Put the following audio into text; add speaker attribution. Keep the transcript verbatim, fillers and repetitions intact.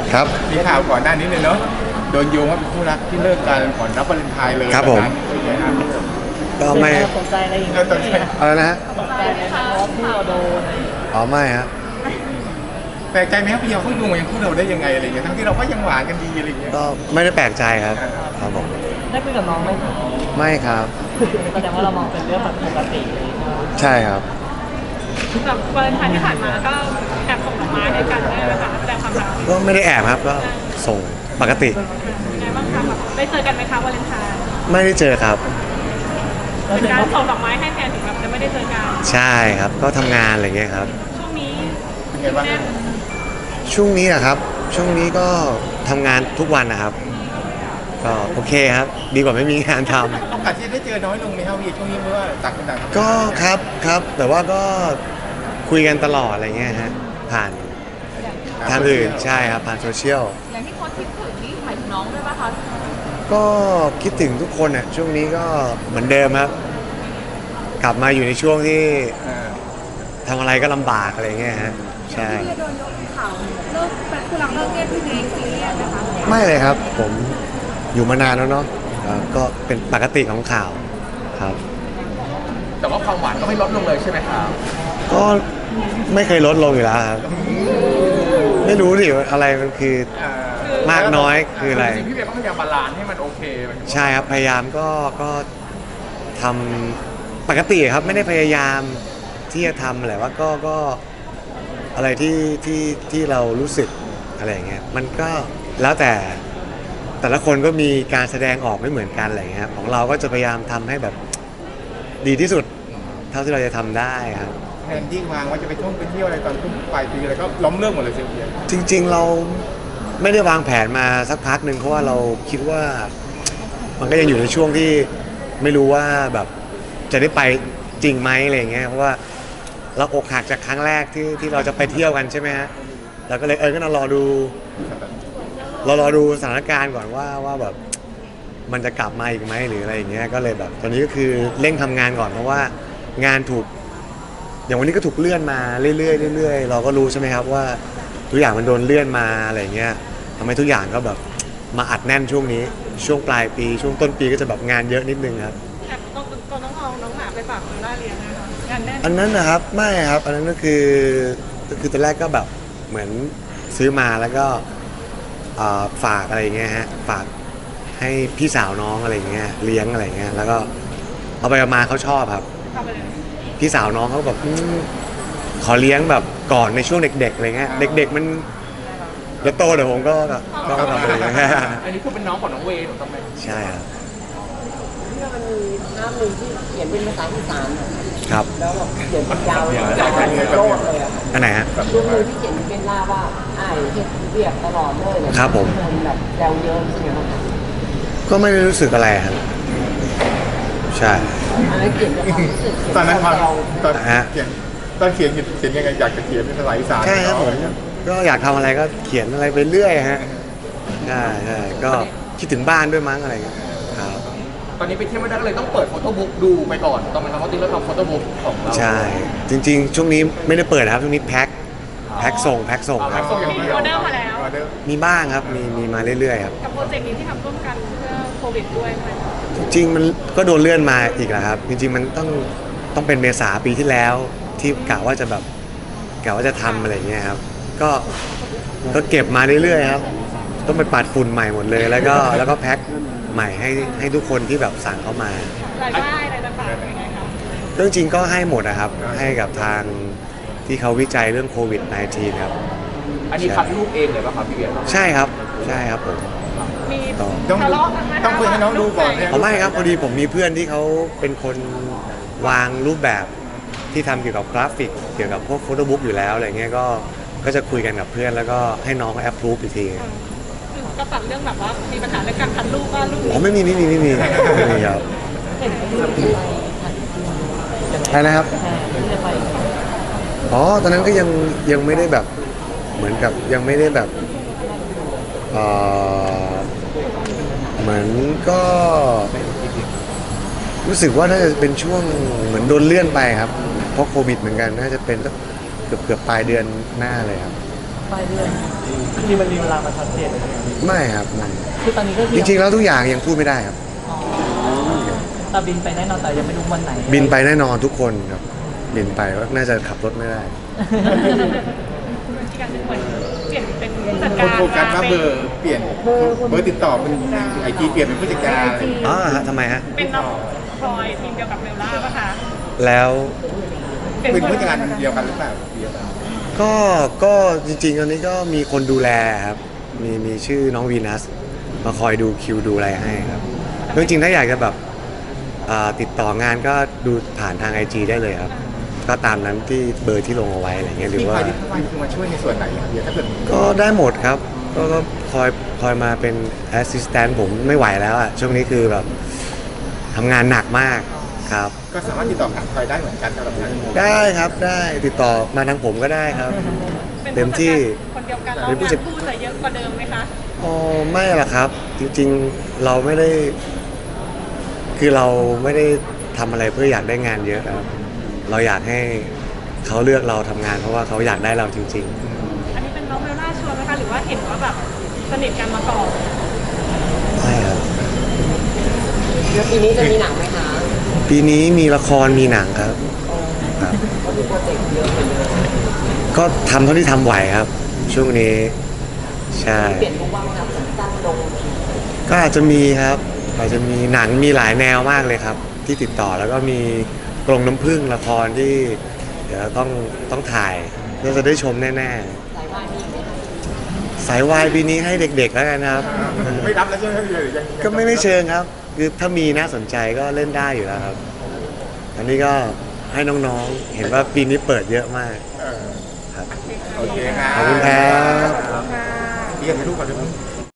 Speaker 1: ครับ
Speaker 2: มีข่าวก่อนหน้านี้เลยเนาะโดนโยงว่าเป็นคู่รักที่เลิกกันก่อนรับวาเลนไทน์เลย
Speaker 1: ครับผม ก็ไม่
Speaker 3: สนใจอะไรอย่าง
Speaker 2: เอ
Speaker 3: เงี้
Speaker 2: อย ตอนนี้
Speaker 1: อะไรนะฮะ
Speaker 3: สนใจไหมคะเพราะว่าคู่เราโดน
Speaker 1: อ๋อไม่ฮะ
Speaker 2: แปลกใจไหมครับพี่ยาวเขาโยงอย่างคู่เราได้ยังไงอะไรเงี้ยทั้งที่เราก็ยังหวานกันดีอะไรเงี้ย
Speaker 1: ก็ไม่ได้แปลกใจครับครับผม
Speaker 3: ได้คุยกับน้องไหมคะ
Speaker 1: ไม่ครับ
Speaker 3: แสดงว่าเรามองเป็นเรื่องแบบปกติเลยใช่ไหม
Speaker 1: ใช่ครับ
Speaker 4: แบบวาเลนไทน์ที่ผ่านมาก็แอบส่งดอกไม้ให้กันได้ไหมคะแสดงความรัก
Speaker 1: ก็ไม่ได้แอบครับก็ส่งปกติ
Speaker 4: ยังไงบ้างคะแบบได้เจอกันไหมคะวาเลนไทน์
Speaker 1: ไม่ได้เจอครับ
Speaker 4: เป็นการส่งดอกไม้ให้แทนถึงแบบจะไม่ได้เจอกัน
Speaker 1: ใช่ครับก็ทำงานอะไรเงี้ยครับ
Speaker 4: ช่วงนี้
Speaker 2: เป็นไงบ้าง
Speaker 4: แน่น
Speaker 1: ช่วงนี้อะครับ ช่วงนี้ก็ทำงานทุกวันนะครับ ก็โอเคครับ ดีกว่าไม่มีงานทำ
Speaker 2: โอกาสที่ได้เจอน้อยลงไหมครับพี่ช่วงนี้เพราะว่าต่างคนต่างทำงาน
Speaker 1: ก็ครับครับ แต่ว่าก็คุยกันตลอดอะไรเงี้ยฮะผ่านทางอื่นใช่ครับผ่านโซเชียล
Speaker 4: อย่างที่โค้ชคิดถึงนี่หมายถึงน้องด้วยป่ะคะ
Speaker 1: ก็คิดถึงทุกคนอ่ะช่วงนี้ก็เหมือนเดิมครับ กลับมาอยู่ในช่วงที่
Speaker 2: เออ
Speaker 1: ทำอะไรก็ลำบากอะไรเงี้ยฮะใช่
Speaker 4: ที่โดนยกข่าวเลิกเป็นคู่รักเลิกเรียกพี่เนยซีเรียสนะคะ
Speaker 1: ไม่เลยครับ ผมอยู่มานานแล้วเนาะอ่าก็เป็นปกติของข่าวครับ
Speaker 2: แต่ว่าความหวานก็ไม่ลดลงเลยใช่ไหมครับ
Speaker 1: ก็ไม่เคยลดลงอยู่แล้วครับ ไม่รู้ดิว่าอะไรมันคือ มากน้อยคืออะไร
Speaker 2: จริงๆพี่เบียร์ก็พยายามบาลานซ์ให้มันโอเคหมายถึงว่า
Speaker 1: ใช่ครับพยายามก็ก็ทำปกติครับไม่ได้พยายามที่จะทำแหละว่าก็ก็อะไรที่ที่ที่เรารู้สึกอะไรอย่างเงี้ยมันก็แล้วแต่แต่ละคนก็มีการแสดงออกไม่เหมือนกันอะไรอย่างเงี้ยของเราก็จะพยายามทำให้แบบดีที่สุดเท่าที่เราจะทำได้ครับ
Speaker 2: แทนที่วางว่าจะไปท่องไปเที่ยวอะไรตอนทุ่มปลายปีอะไรก็ล้มเลิกหมดเลยเชียวเบียร์
Speaker 1: จริงๆเราไม่ได้วางแผนมาสักพักหนึ่งเพราะว่าเราคิดว่ามันก็ยังอยู่ในช่วงที่ไม่รู้ว่าแบบจะได้ไปจริงไหมอะไรอย่างเงี้ยเพราะว่าเราอกหักจากครั้งแรกที่ที่เราจะไปเที่ยวกันใช่ไหมฮะเราก็เลยเออก็นอนรอดูเรารอดูสถานการณ์ก่อนว่าว่าแบบมันจะกลับมาอีกไหมหรืออะไรอย่างเงี้ยก็เลยแบบตอนนี้ก็คือเร่งทำงานก่อนเพราะว่างานถูกอย่างวันนี้ก็ถูกเลื่อนมาเรื่อยๆเรื่อยๆเราก็รู้ใช่ไหมครับว่าทุกอย่างมันโดนเลื่อนมาอะไรอย่างเงี้ยทำให้ทุกอย่างก็แบบมาอัดแน่นช่วงนี้ช่วงปลายปีช่วงต้นปีก็จะแบบงานเยอะนิดนึงครับ
Speaker 4: แอบต้องก็ต้องเอาน้องหมาไปฝากคุณล่าเลี้ยงนะคะงานแน่น
Speaker 1: อันนั้นนะครับไม่ครับอันนั้นก็คือคือตอนแรกก็แบบเหมือนซื้อมาแล้วก็อ่าฝากอะไรอย่างเงี้ยฮะฝากให้พี่สาวน้องอะไรอย่างเงี้ยเลี้ยงอะไรอย่างเงี้ยแล้วก็เอาไปเอามาเขาชอบครับ
Speaker 4: ทำไปเลย
Speaker 1: พี่สาวน้องเขาแบบอืมขอเลี้ยงแบบก่อนในช่วงเด็กๆอะไรเงี้ยเด็ก ๆมันเดี๋ยวโตเดี๋ยวผมก็ก็ก็ทำอะไรอย่างเงี้ย
Speaker 2: อันนี้คือเป็นน้องของน้องเวย์ถูกต้องไหม
Speaker 1: ใช่ครับ
Speaker 3: ที่มันมีภาพหนึ่งที่เขียนเป็นภาษาอีสานอะ
Speaker 1: ครับ
Speaker 3: แล้วแบบเขียนเป็นยาวเลยยาวเป็นโลดเลยอะค่ะ
Speaker 1: อันไหนฮะ
Speaker 3: รูปหนึ่งที่เขียนเป็นล่าว่าอ้ายเฮ็ดเรียบตลอดเลยเลย
Speaker 1: ครับผม
Speaker 3: นแบบแซวเยอะใช่ไหมครับ
Speaker 1: ก็ไม่ได้รู้สึกอะไรครับใช่
Speaker 3: อันนั้นเขียนจากความรู้สึก
Speaker 2: ตอนนั้นความ
Speaker 3: เรา
Speaker 2: ตอน
Speaker 1: ฮะ
Speaker 2: เขียนตอนเขียนเขียนยังไงอยากจะเขียนเป็นภาษาอีสาน
Speaker 1: ใช่ครับผมก็อยากทำอะไรก็เขียนอะไรไปเรื่อยฮะใช่ใช่ก็คิดถึงบ้านด้วยมั้งอะไรอย่างเงี้ยครับ
Speaker 2: ตอนนี้ไปเที่ยวไม่ได้ก็เลยต้องเปิดโฟโต้บุ๊กดูไปก่อนตอนมันทำเพราะจริงแล้วทำโฟโต้บุ๊กของเรา
Speaker 1: ใช่จริง ๆ ช่วงนี้ไม่ได้เปิดนะครับช่วงนี้แพ็คแพ็คส่งแพ็คส่ง
Speaker 2: เอา
Speaker 1: ค
Speaker 2: แพ็
Speaker 1: รับ
Speaker 2: คส่งอย่าง
Speaker 4: มี
Speaker 2: เดียว
Speaker 4: ออเดอร์มาแล้ว
Speaker 2: ออเดอร์
Speaker 1: มีบ้างครับมีมีมาเรื่อยๆครับ
Speaker 4: กับโปรเจกต์นี้ที่ทำร่วมกันเพื่อโควิดด้วยไหม
Speaker 1: จริงๆมันก็โดนเลื่อนมาอีกแล้วครับ จริงๆมันต้องต้องเป็นเมษาปีที่แล้วที่กะว่าจะแบบกะว่าจะทำอะไรอย่างเงี้ยครับก็ก็เก็บมาเรื่อยๆครับต้องไปปัดฝุ่นใหม่หมดเลย แล้วก็แล้วก็แพ็คใหม่ให้ให้ทุกคนที่แบบสั่งเข้ามาร
Speaker 4: ายได้อะไรต่างๆยังไงคะ
Speaker 1: เรื่องจริงก็ให้หมดนะครับให้กับทางที่เขาวิจัยเรื่องโควิด สิบเก้า ครับ
Speaker 2: อันนี้คัดรูปเองเลยป่ะครับพี่เบียร์
Speaker 1: ใช่ครับใช่ครับผม
Speaker 4: มี
Speaker 1: ต่อ
Speaker 2: ต้อง
Speaker 4: ทะเลาะกันไหมคะ
Speaker 2: ต้องคุยให้น้องดูก่อนเนี่ย
Speaker 1: เอาไม่ครับพอดีผมมีเพื่อนที่เขาเป็นคนวางรูปแบบที่ทำเกี่ยวกับกราฟิก เกี่ยวกับพวกโฟโต้บุ๊กอยู่แล้วอะไรเงี้ยก็ก็จะคุยกันกับเพื่อนแล้วก็ให้น้องเขาแอปพรูฟอีกที
Speaker 4: คือก็ตัดเรื่องแบบว่ามีปัญหาเรื่องการคัดรูปว่ารูป
Speaker 1: อ๋อไม่มีไม่มีไม่มีไม่มีครับ
Speaker 3: เห็นรูปที่ไป
Speaker 1: ใช่นะครับ
Speaker 3: ที่จะไป
Speaker 1: อ๋อตอนนั้นก็ยังยังไม่ได้แบบเหมือนกับยังไม่ได้แบบเอ่อเหมือนก็รู้สึกว่าน่าจะเป็นช่วงเหมือนโดนเลื่อนไปครับเพราะโควิดเหมือนกันน่าจะเป็นสักเกือบเกือบปลายเดือนหน้าเลยครับ
Speaker 5: ปลายเดือนที่มันมีเวลามาชัดเจนเลยไหมครับ
Speaker 1: ไม่ครับไม่
Speaker 5: คือตอนนี้ก็คือ
Speaker 1: จริงๆแล้วทุกอย่างยังพูดไม่ได้ครับ
Speaker 5: อ๋อแต่บินไปแน่นอนแต่ยังไม่รู้วันไหน
Speaker 1: บินไปแน่นอนทุกคนครับบินไปก็น่าจะขับรถไม่ได้
Speaker 4: อีกการหนึ่งเหมือนเปลี่ยนเป็นผู้จัด
Speaker 2: ค
Speaker 4: กาน ร
Speaker 2: โฟกัสว่าเบอร์เปลี่ยนเบอร์ติดต่อเป็นไอจีเปลี่ยนเป็นผู้จัดการอะไรอย่างเงี้ย
Speaker 1: อ๋อฮะทำไมฮะ
Speaker 4: เป็นน้องพลอยทีมเดียวกับเบลล่าป่ะคะ
Speaker 1: แล้ว
Speaker 2: เป็นผู้จัดการเดียวกันหรือเปล่าเดียวกัน
Speaker 1: ก็ก็จริงๆตอนนี้ก็มีคนดูแลครับมีมีชื่อน้องวีนัสมาคอยดูคิวดูอะไรให้ครับจริงๆถ้าอยากจะแบบอ่าติดต่องานก็ดูผ่านทาง ไอ จี ได้เลยครับก็ตามนั้นที่เบอร์ที่ลงเอาไว้อะไรเงี้ยหรือ
Speaker 2: ที่
Speaker 1: ว่า
Speaker 2: คอยที่คอยคือมาช่วยในส่วนไหนอะเดียวถ้าเกิด
Speaker 1: ก็ได้หมดครับก็ก็คอยคอยมาเป็นแอสซิสแตนต์ผมไม่ไหวแล้วอะช่วงนี้คือแบบทำงานหนักมากครับ
Speaker 2: ก็สามารถติดต่อหาคอยได้เหมือนกันสำหรับทาง
Speaker 1: ได้ครับได้ติดต่อมาทางผมก็ได้ครับ
Speaker 4: เป็น
Speaker 1: เต็ม
Speaker 4: ผู้จัด
Speaker 1: ที่
Speaker 4: การคนเดียวกันแล้ว
Speaker 1: เป็นผู้
Speaker 4: งา
Speaker 1: จัด
Speaker 4: นคู่จะเยอะกว่าเดิมไหมคะ
Speaker 1: อ๋อไม่หรอกครับ จริงๆเราไม่ได้ คือเราไม่ได้ทำอะไรเพื่ออยากได้งานเยอะครับ เราอยากให้เขาเลือกเราทำงานเพราะว่าเขาอยากได้เราจริง
Speaker 4: อันนี้เป็นน้องเบลล่าชวนไหมคะหรือว่าเห็นว่าแบบสนิทกันมาก่อน
Speaker 1: ๆใช่ครับ
Speaker 3: แล้วปีนี้จะมีหนังไหมคะ
Speaker 1: ปีนี้มีละครมีหนังครับครับ
Speaker 3: ก็มีโปรเจกต์เยอะเหมือนเดิม
Speaker 1: ก็ทำเท่าที่ทำไหวครับ ช่วงนี้ใช่
Speaker 3: เปลี่ยนมุมว่างครับสั้นๆลง
Speaker 1: ก็อาจจะมีครับอาจจะมีหนังมีหลายแนวมากเลยครับ ที่ติดต่อแล้วก็มีกรงน้ำผึ้งละครที่เดี๋ยวต้องต้องถ่ายน่าจะได้ชมแน่
Speaker 3: สายวายมีไหมคะ
Speaker 1: ๆ สายวายปีนี้ให้เด็กๆแล้วกันครับ
Speaker 2: ไม่รับแล้วใช่ไหมหรือยัง
Speaker 1: ก็ไม่ไม่เชิงครับ คือถ้ามีน่าสนใจก็เล่นได้อยู่แล้วครับ อันนี้ก็ให้น้องๆ เห็นว่าปีนี้เปิดเยอะมาก
Speaker 2: เออ
Speaker 1: ครับ
Speaker 2: โอเคครับ
Speaker 1: ขอบคุณครับ
Speaker 2: เรียนให้ลูกก่อนด้วย